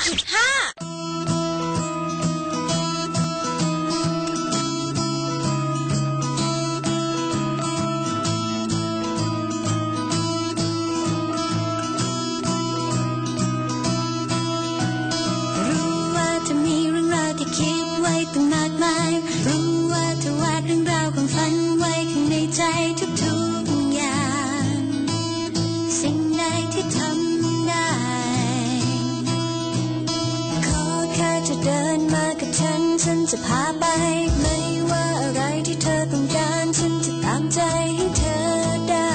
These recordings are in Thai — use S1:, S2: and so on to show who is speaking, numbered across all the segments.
S1: คิดไว้ตั้งมากมายรู้ว่าเธอวาดเรื่องราวของฝันไว้ข้างในใจทุกๆอย่างสิ่งใดที่ทำได้ขอแค่เธอเดินมากับฉันจะพาไปไม่ว่าอะไรที่เธอต้องการฉันจะตามใจให้เธอได้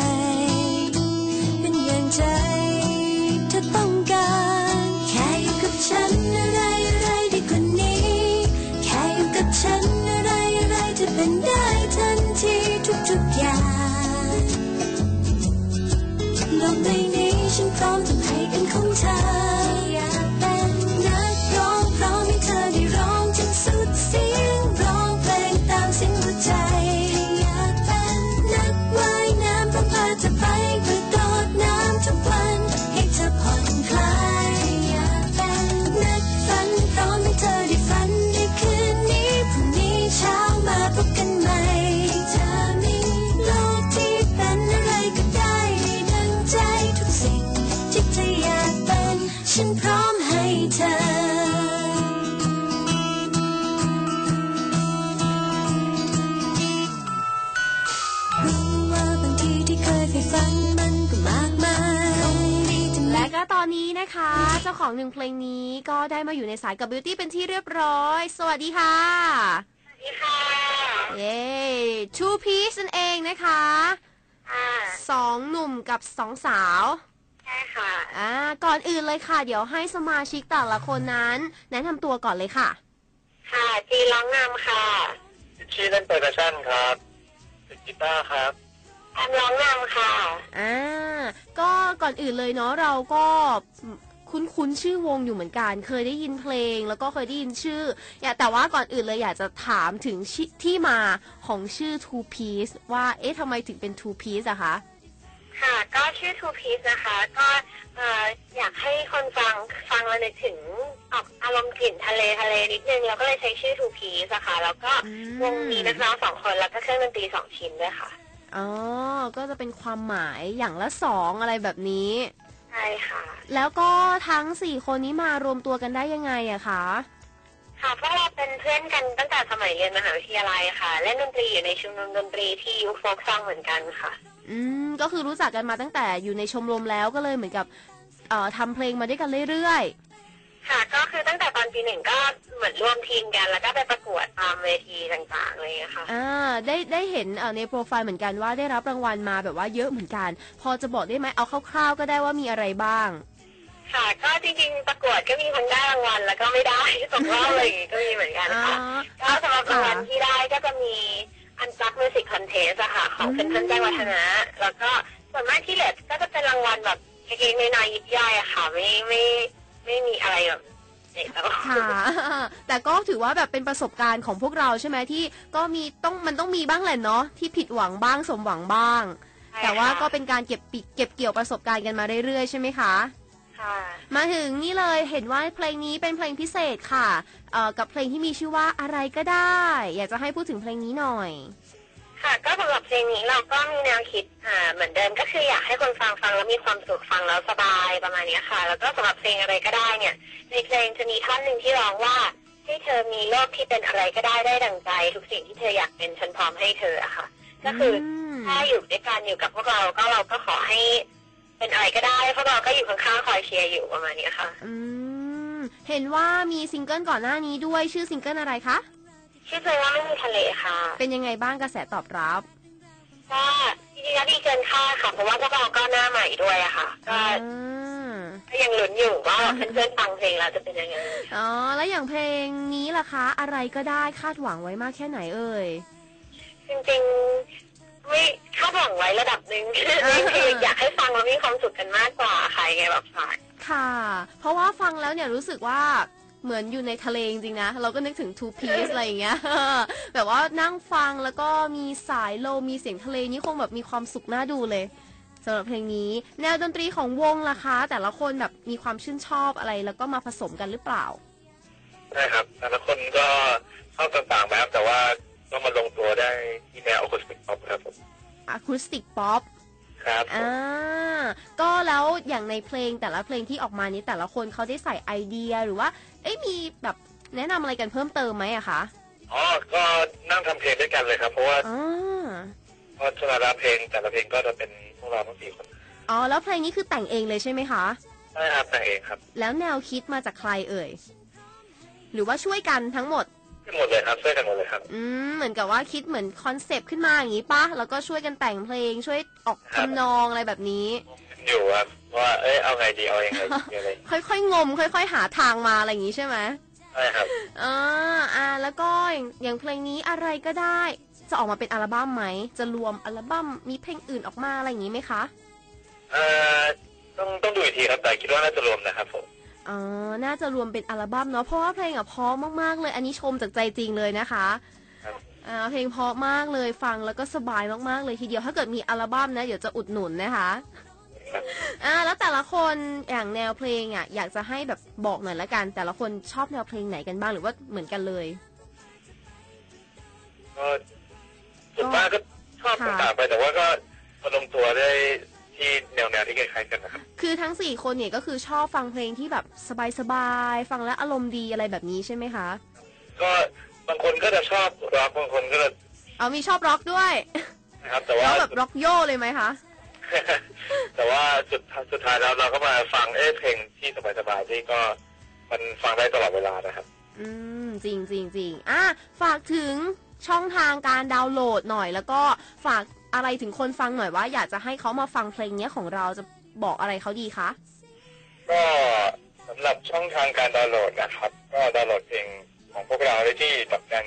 S1: เป็นอย่างใจเธอต้องการแค่อยู่กับฉันอะไรดีกว่านี้แค่อยู่กับฉันอะไรจะเป็นได้ทันทีทุกอย่างโลกใบนี้ฉันพร้อมจะให้เป็นของเธออยากเป็นนักร้องพร้อมให้เธอได้ร้องจนสุดเสียงร้องเพลงตามเสียงหัวใจอยากเป็นนักว่ายน้ำพร้อมพาเธอไปกระโดดน้ำทุกวันให้เธอผ่อนคลายอยากเป็นนักฝันพร้อมให้เธอได้ฝันในคืนนี้พรุ่งนี้เช้ามาพบกันใหม่จะมีโลกที่เป็นอะไรก็ได้ให้ดังใจทุกสิ่งที่เธออยากเป็นฉันพร้อมให้เธอรู้ว่าบางทีที่เคยใฝ่ฝันมันก็มากมาย
S2: และก็ตอนนี้นะคะเจ้าของหนึ่งเพลงนี้ก็ได้มาอยู่ในสายกับ Beauty เป็นที่เรียบร้อยสวัสดีค่ะ
S3: สวัสดีค่ะ
S2: เย้ Two Piece นั่นเองนะคะสองหนุ่มกับสองสาว
S3: ใช่ค่ะ
S2: ก่อนอื่นเลยค่ะเดี๋ยวให้สมาชิกแต่ละคนนั้นแนะนำตัวก่อนเลยค่ะ
S3: ค่ะจีร้องนำค่ะ
S4: ชื่อเล่นเปอร์คัชชั่นครับเป็นกีตาร์ครับ
S3: แอมร้องนำค่ะ
S2: ก็ก่อนอื่นเลยเนาะเราก็คุ้นชื่อวงอยู่เหมือนกันเคยได้ยินเพลงแล้วก็เคยได้ยินชื่อแต่ว่าก่อนอื่นเลยอยากจะถามถึงที่มาของชื่อ Two Piece ว่าทำไมถึงเป็น Two Piece อะคะ
S3: ค่ะก็ชื่อ Two Piece นะคะก็อยากให้คนฟังแล้วนึกถึงออกอารมณ์กลิ่นทะเลนิดนึงแล้วก็เลยใช้ชื่อ Two Piece นะคะแล้วก็วงมีนักร้อง2 คนแล้วก็เครื่องดนตรี2 ชิ้นด้วยค่ะ
S2: ก็จะเป็นความหมายอย่างละ2อะไรแบบนี้
S3: ใช่ค่ะ
S2: แล้วก็ทั้ง4คนนี้มารวมตัวกันได้ยังไงอะคะ
S3: ค่ะพวกเราเป็นเพื่อนกันตั้งแต่สมัยเรียนมหาวิทยาลัยค่ะเล่นดนตรีอยู่ในชมรมดนตรีที่ยุคโฟล์คซองเหมือนกันค่ะ
S2: ก็คือรู้จักกันมาตั้งแต่อยู่ในชมรมแล้วก็เลยเหมือนกับทำเพลงมาด้วยกันเรื่อย
S3: ๆค่ะก็คือตั้งแต่ตอนปี 1ก็เหมือนร่วมทีมกันแล้วก็ไปประกวดตามเวทีต่างๆอะไรอย่างเงี้ยค่ะ
S2: ได้เห็นในโปรไฟล์เหมือนกันว่าได้รับรางวัลมาแบบว่าเยอะเหมือนกันพอจะบอกได้ไหมเอาคร่าวๆก็ได้ว่ามีอะไรบ้าง
S3: ค่ะก็จริงๆประกวดก็มีคนได้รางวัลแล้วก็ไม่ได้ตกรอบอะไรอย่างงี้ก็มีเหมือนกันค่ะก็สำหรับรางวัลที่ได้ก็จะมีอันซักมิวสิกคอนเทสต์อะค่ะของเพื่อนๆแจ้งวัฒนะแล้วก็ส่วนมากที่เหลือก็จะเป็นรางวัลแบบเล็กๆน้อยๆยิบย่อยอะค่ะไม่มีอะไรแบบ
S2: ค่ะแต่ก็ถือว่าแบบเป็นประสบการณ์ของพวกเราใช่ไหมที่ก็มันต้องมีบ้างแหละเนาะที่ผิดหวังบ้างสมหวังบ้างแต่ว่าก็เป็นการเก็บเกี่ยวประสบการณ์กันมาเรื่อยๆใช่ไหมคะมาถึงนี่เลยเห็นว่าเพลงนี้เป็นเพลงพิเศษค่ะกับเพลงที่มีชื่อว่าอะไรก็ได้อยากจะให้พูดถึงเพลงนี้หน่อย
S3: ค่ะก็สำหรับเพลงนี้เราก็มีแนวคิดเหมือนเดิมก็คืออยากให้คนฟังแล้วมีความสุขฟังแล้วสบายประมาณนี้ค่ะแล้วก็สำหรับเพลงอะไรก็ได้เนี่ยในเพลงจะมีท่อนหนึ่งที่ร้องว่าให้เธอมีโลกที่เป็นอะไรก็ได้ดังใจทุกสิ่งที่เธออยากเป็นฉันพร้อมให้เธออะค่ะก็คือถ้าอยู่ด้วยกันอยู่กับพวกเราก็ขอให้เป็นอะไรก็ได้พวกเราก็อยู่ข้างๆคอยเชียร์อยู่ประมาณนี้ค่ะ
S2: เห็นว่ามีซิงเกิลก่อนหน้านี้ด้วยชื่อซิงเกิลอะไรคะ
S3: ชื่อเพลงว่าไม่มีทะเลค่ะ
S2: เป็นยังไงบ้างกระแสตอบรับ
S3: ก็จริงๆดีเกินคาดค่ะเพราะว่าพวกเราก็หน้าใหม่ด้วยอะค่ะก็ยังลุ้นอยู่ว่าเพื่อนๆฟังเพลงแล้วจะเป็นยังไง
S2: แล้วอย่างเพลงนี้ล่ะคะอะไรก็ได้คาดหวังไว้มากแค่ไหนเอ่ย
S3: จริงๆไม่คาดหวังไว้ระดับหนึ่งคืออยากให้ฟังแล้วมีความสุขกันมากกว่าใครไงแบบฝาก
S2: ค่ะเพราะว่าฟังแล้วเนี่ยรู้สึกว่าเหมือนอยู่ในทะเลจริงๆนะเราก็นึกถึง Two Piece อะไรอย่างเงี้ยแบบว่านั่งฟังแล้วก็มีสายลมมีเสียงทะเลนี่คงแบบมีความสุขน่าดูเลยสำหรับเพลงนี้แนวดนตรีของวงล่ะคะแต่ละคนแบบมีความชื่นชอบอะไรแล้วก็มาผสมกันหรือเปล่า
S4: ใช่ครับแต่ละคนก็ชอบต่างๆแบบแต่ว่าก็มาลงตัวได้ที่แนวอะคูสติกป๊อปครับผม
S2: อะคูสติกป๊อป
S4: ครับ
S2: ก็แล้วอย่างในเพลงแต่ละเพลงที่ออกมานี้แต่ละคนเขาได้ใส่ไอเดียหรือว่ามีแบบแนะนำอะไรกันเพิ่มเติมไหมอะคะ
S4: อ๋อก็นั่งทำเพลงด้วยกันเลยครับเพราะว่าเพราะแต่ละเพลงก็จะเป็นพวกเราทั้ง4 คน
S2: อ๋อแล้วเพลงนี้คือแต่งเองเลยใช่ไหมคะ
S4: ใช่ครับแต่งเองครับ
S2: แล้วแนวคิดมาจากใครเอ่ยหรือว่าช่วยกันทั้งหมด
S4: หมดเลยครับช่วยกันหมดเลยครับ
S2: เหมือนกับว่าคิดเหมือนคอนเซปต์ขึ้นมาอย่างนี้ปะแล้วก็ช่วยกันแต่งเพลงช่วยออกทำนองอะไรแบบนี้
S4: อยู่ครับว่าเอาไงดีเอายังไงอะไร
S2: ค่อยๆงมค่อยๆหาทางมาอะไรอย่างนี้ใช่ไหม
S4: ใช่ครับ
S2: แล้วก็อย่างเพลงนี้อะไรก็ได้จะออกมาเป็นอัลบั้มไหมจะรวมอัลบั้มมีเพลงอื่นออกมาอะไรอย่างนี้ไหมคะ
S4: ต้องดูอีกทีครับแต่คิดว่าน่าจะรวมนะครับผม
S2: น่าจะรวมเป็นอัลบั้มเนาะเพราะว่าเพลงเพราะมากๆเลยอันนี้ชมจากใจจริงเลยนะคะเพลงเพราะมากเลยฟังแล้วก็สบายมากๆเลยทีเดียวถ้าเกิดมีอัลบั้มนะเดี๋ยวจะอุดหนุนนะคะแล้วแต่ละคนอย่างแนวเพลงอยากจะให้แบบบอกหน่อยละกันแต่ละคนชอบแนวเพลงไหนกันบ้างหรือว่าเหมือนกันเลย
S4: ก็ส่วนมากก็ชอบต่างๆไปแต่ว่าก็ลงตัวได้ที่แนวที่คล้ายๆกันนะครับ
S2: คือทั้ง4 คนเนี่ยก็คือชอบฟังเพลงที่แบบสบายๆฟังแล้วอารมณ์ดีอะไรแบบนี้ใช่ไหมคะ
S4: ก็บางคนก็จะชอบร็อกบางคนก็จะ
S2: มีชอบร็อกด้วย
S4: นะครับแต่ว่า
S2: แบบร็อกโย่เลยไหมคะ
S4: แต่ว่าสุดท้ายแล้วเราก็มาฟังเพลงที่สบายๆที่ก็มันฟังได้ตลอดเวลานะครับ
S2: จริงฝากถึงช่องทางการดาวน์โหลดหน่อยแล้วก็ฝากอะไรถึงคนฟังหน่อยว่าอยากจะให้เขามาฟังเพลงนี้ของเราจะบอกอะไรเขาดีคะ
S4: ก็สำหรับช่องทางการดาวน์โหลดนะครับก็ดาวน์โหลดเพลงของพวกเราได้ที่ดอกจัน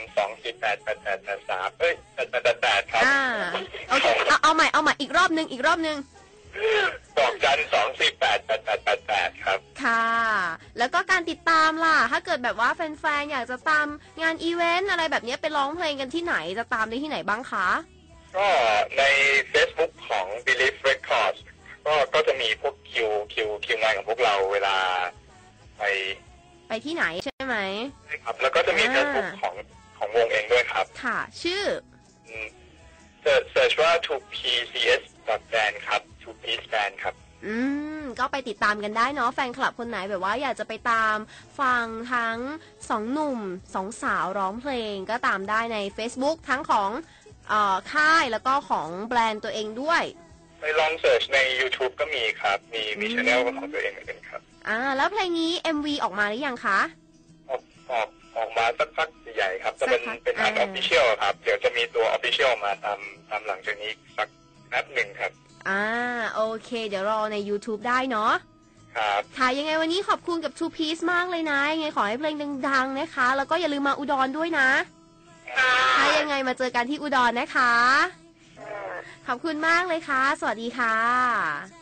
S4: 2488883888ครับ
S2: โอเคเอาใหม่อีกรอบนึง
S4: ดอกจัน2488888ครับ
S2: ค่ะแล้วก็การติดตามล่ะถ้าเกิดแบบว่าแฟนๆอยากจะตามงานอีเวนต์อะไรแบบนี้ไปร้องเพลงกันที่ไหนจะตามได้ที่ไหนบ้างคะ
S4: ก็ใน Facebook ของ Believe Records ก็จะมีพวกคิวงานของพวกเราเวลาไป
S2: ที่ไหนใช่ไหม
S4: ใช่ครับแล้วก็จะมี Facebook ของวงเองด้วยครับ
S2: ค่ะชื่อ
S4: search ว่า 2pcs.band ครับ 2piece band ครับ
S2: ก็ไปติดตามกันได้เนาะแฟนคลับคนไหนแบบว่าอยากจะไปตามฟังทั้ง2 หนุ่ม2 สาวร้องเพลงก็ตามได้ใน Facebook ทั้งของค่ายแล้วก็ของแบรนด์ตัวเองด้วย
S4: ไปลองเสิร์ชใน YouTube ก็มีครับมี channel ของตัวเองเหมือนกันครับ
S2: แล้วเพลงนี้ MV ออกมาหรือยังคะ
S4: ออกมาสักพักใหญ่ครับจะเป็นอัน official ครับเดี๋ยวจะมีตัว official มาตามหลังจากนี้สักแป๊บหนึ่งครับ
S2: โอเคเดี๋ยวรอใน YouTube ได้เนาะ
S4: ครับ
S2: ค่ะยังไงวันนี้ขอบคุณกับ Two Piece มากเลยนะยังไงขอให้เพลงดังๆนะคะแล้วก็อย่าลืมมาอุดรด้วยนะถ้ายังไงมาเจอกันที่อุดรนะคะขอบคุณมากเลยค่ะสวัสดีค่ะ